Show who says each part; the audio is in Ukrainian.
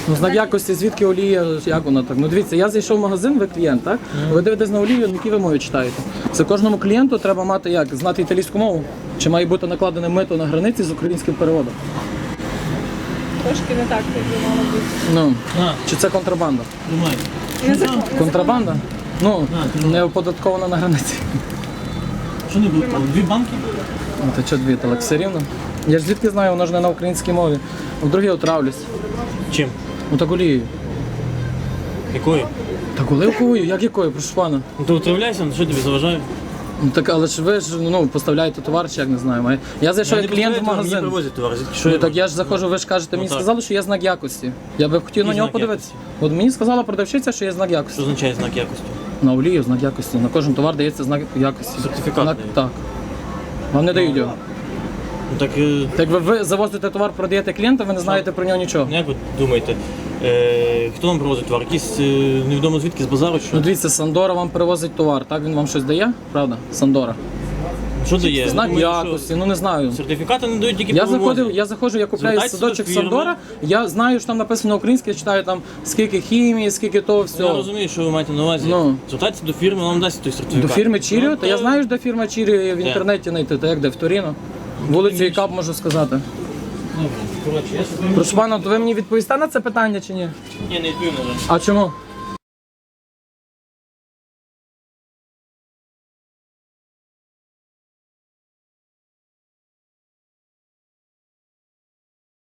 Speaker 1: Ну, знак якості, звідки олія, як вона так? Ну дивіться, я зайшов в магазин, ви клієнт, так? Ви дивитесь на олію, які ви мови читаєте. Це кожному клієнту треба мати як? Знати італійську мову? Чи має бути накладене мито на границі з українським переводом?
Speaker 2: Трошки не так, як би мало бути.
Speaker 1: Ну, чи це контрабанда?
Speaker 2: Незаконно.
Speaker 1: Контрабанда? Ну, не оподаткована на границі.
Speaker 3: Що не було? Дві банки?
Speaker 1: Ну, та чого дві, так все рівно. Я ж звідки знаю, воно ж не на українській мові. Вдруге отравлюсь.
Speaker 3: Чим?
Speaker 1: Ну так олією.
Speaker 3: Якою?
Speaker 1: Так оливковою? Як якою? Прошу пана.
Speaker 3: Ну то утравляйся, що тобі заважає?
Speaker 1: Ну так, але ж ви ж ну, поставляєте товар, чи як не знаю. Я зайшов як клієнт в
Speaker 3: Мені
Speaker 1: магазин.
Speaker 3: привозять товар, звідки
Speaker 1: Що,
Speaker 3: що
Speaker 1: так я ж заходжу, ви ж кажете, мені
Speaker 3: так.
Speaker 1: сказали, що є знак якості. Я би хотів на
Speaker 3: Який
Speaker 1: нього
Speaker 3: знак
Speaker 1: подивитися. От мені сказала продавщиця, що є знак
Speaker 3: Що
Speaker 1: якості.
Speaker 3: означає знак якості?
Speaker 1: На олію знак якості. На кожен товар дається знак якості.
Speaker 3: Сертифікат
Speaker 1: Знак-
Speaker 3: дають.
Speaker 1: Так. Вам не дають його.
Speaker 3: Ну так,
Speaker 1: Так ви завозите товар, продаєте клієнту, ви не знаєте про нього нічого.
Speaker 3: як ви думаєте, хто вам привозить товар? Якийсь невідомо звідки з базару?
Speaker 1: Ну
Speaker 3: Що,
Speaker 1: дивіться, Сандора вам привозить товар, так? Він вам щось дає, правда? Сандора.
Speaker 3: що дає?
Speaker 1: Знак
Speaker 3: Думаєте, що
Speaker 1: якості, ну не знаю.
Speaker 3: Сертифікати не дають тільки
Speaker 1: Я
Speaker 3: по вимозі.
Speaker 1: заходжу, я купляю
Speaker 3: Звертайтеся до
Speaker 1: садочок
Speaker 3: фірми.
Speaker 1: Сандора, я знаю, що там написано українське, я читаю там скільки хімії, скільки того
Speaker 3: Я
Speaker 1: всього.
Speaker 3: розумію, що ви маєте на увазі.
Speaker 1: Ну.
Speaker 3: Звертайтеся до фірми, вам дасть той сертифікат.
Speaker 1: До фірми Чіріо?
Speaker 3: Ну,
Speaker 1: Та я знаю, де фірма Чіріо в інтернеті знайти, та як де в Торіно. Вулицю Ікап можу сказати.
Speaker 3: Добре, коротше, я щось...
Speaker 1: Прошу пана, то ви мені відповісте на це питання чи ні?
Speaker 3: Ні, не відповім, на жаль.
Speaker 1: А чому?